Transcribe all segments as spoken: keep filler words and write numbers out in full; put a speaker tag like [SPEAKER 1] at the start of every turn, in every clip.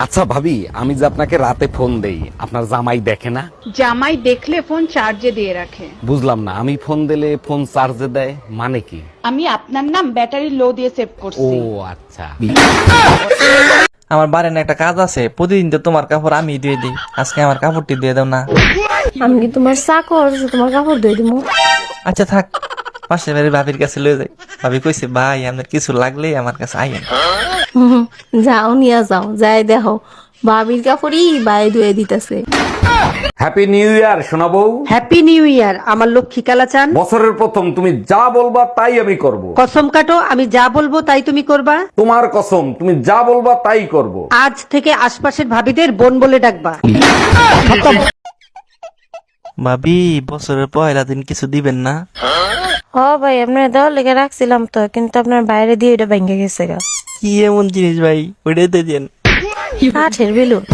[SPEAKER 1] আচ্ছা ভাবি, আমি যে আপনাকে রাতে ফোন দেই, আপনার জামাই দেখে না?
[SPEAKER 2] জামাই দেখলে ফোন চার্জে দিয়ে রাখে।
[SPEAKER 1] বুঝলাম না, আমি ফোন দিলে ফোন চার্জে দেয় মানে কি?
[SPEAKER 2] আমি আপনার নাম ব্যাটারি লো দিয়ে সেভ
[SPEAKER 1] ও
[SPEAKER 2] করছি।
[SPEAKER 1] আচ্ছা।
[SPEAKER 3] আমার বাড়ির একটা কাজ আছে, প্রতিদিন তো তোমার কাপড় আমি দিয়ে দিই, আজকে আমার কাপড়টি দিয়ে দাও না।
[SPEAKER 4] আমি কি তোমার চাকর যে তোমার কাপড় ধুয়ে দিবো?
[SPEAKER 3] আচ্ছা থাক, পাশে বাড়ির ভাবির কাছে লয়ে যাই। ভাবি কইছে ভাই আপনার কিছু লাগলে আমার কাছে আইয়েন।
[SPEAKER 4] হুম, যাও নিয়ে যাও, যাই দেখো ভাবির কাপড়ই বাই ধুয়ে দিতেছে।
[SPEAKER 1] হ্যাপি নিউ ইয়ার সোনা বউ।
[SPEAKER 5] হ্যাপি নিউ ইয়ার আমার লক্ষ্মী কালাচান।
[SPEAKER 1] বছরের প্রথম, তুমি যা বলবা তাই আমি করব।
[SPEAKER 5] কসম কাটো, আমি যা বলবো তাই তুমি করবা।
[SPEAKER 1] তোমার কসম, তুমি যা বলবা তাই করব।
[SPEAKER 5] আজ থেকে আশপাশের ভাবিদের বোন বলে ডাকবা।
[SPEAKER 3] ভাবি বছরের পয়লা দিন কিছু দিবেন না?
[SPEAKER 4] হ ভাই, আপনার দেওয়ার লেগে রাখছিলাম তো, কিন্তু আপনার বাইরে দিয়ে এটা ভেঙে গেছে গা।
[SPEAKER 3] কি এমন জিনিস ভাই, ওইটাই দিয়ে দেন।
[SPEAKER 4] কাঠের বেলুন।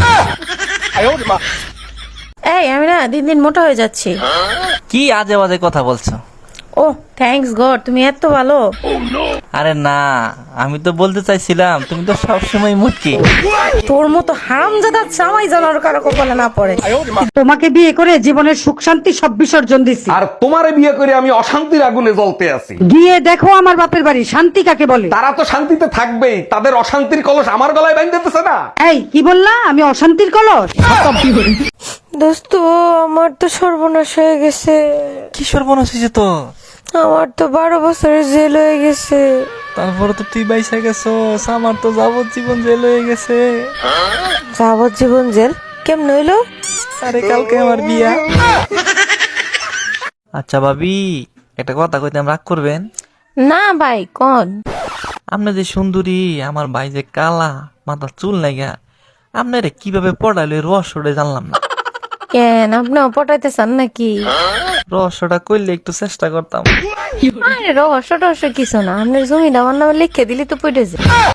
[SPEAKER 4] এই আমি না দিন দিন মোটা হয়ে যাচ্ছি।
[SPEAKER 3] কি আজে বাজে কথা বলছো?
[SPEAKER 4] ও থ্যাঙ্কস গড, তুমি এত ভালো।
[SPEAKER 3] আরে না, আমি তো বলতে চাইছিলাম তুমি তো সবসময় মুটকি।
[SPEAKER 4] তোর মতো হারামজাদা জামাই জানার কারো কপালে না পড়ে।
[SPEAKER 5] তোমাকে বিয়ে করে জীবনের সুখ শান্তি সব বিসর্জন দিছি।
[SPEAKER 1] আর তোমারে বিয়ে করে আমি অশান্তির আগুনে জ্বলতে আছি।
[SPEAKER 5] গিয়ে দেখো আমার বাপের বাড়ি শান্তি কাকে বলে।
[SPEAKER 1] তারা তো শান্তিতে থাকবেই, তাদের অশান্তির কলস আমার গলায় বাঁধতেছে না।
[SPEAKER 5] এই কি বললা, আমি অশান্তির কলস?
[SPEAKER 4] দোস্ত আমার তো সর্বনাশ হয়ে গেছে।
[SPEAKER 3] কি সর্বনাশ হয়েছে তো?
[SPEAKER 4] আমার তো বারো বছরের জেল হয়ে গেছে।
[SPEAKER 3] তারপরে তো তুই বাইসা গেছো, আমার তো যাবজ্জীবন জেল হয়ে গেছে।
[SPEAKER 4] যাবজ্জীবন জেল কেমন হইলো?
[SPEAKER 3] আরে কালকে আমার বিয়া। আচ্ছা ভাবি, একটা কথা কইতাম, রাগ করবেন?
[SPEAKER 4] না ভাই কোন?
[SPEAKER 3] আপনি যে সুন্দরী, আমার ভাই যে কালা, মাথা চুল নাইগা, আপনারে কিভাবে পড়াইলো এই রহস্যটা জানলাম না।
[SPEAKER 4] কেন আপনিও পটাইতে চান নাকি?
[SPEAKER 3] রহস্যটা করলে একটু চেষ্টা করতাম।
[SPEAKER 4] আরে রহস্য টহস্য কিছু না, আপনার জমিটা আমার নামে লিখে দিলি তো পড়ে যায়।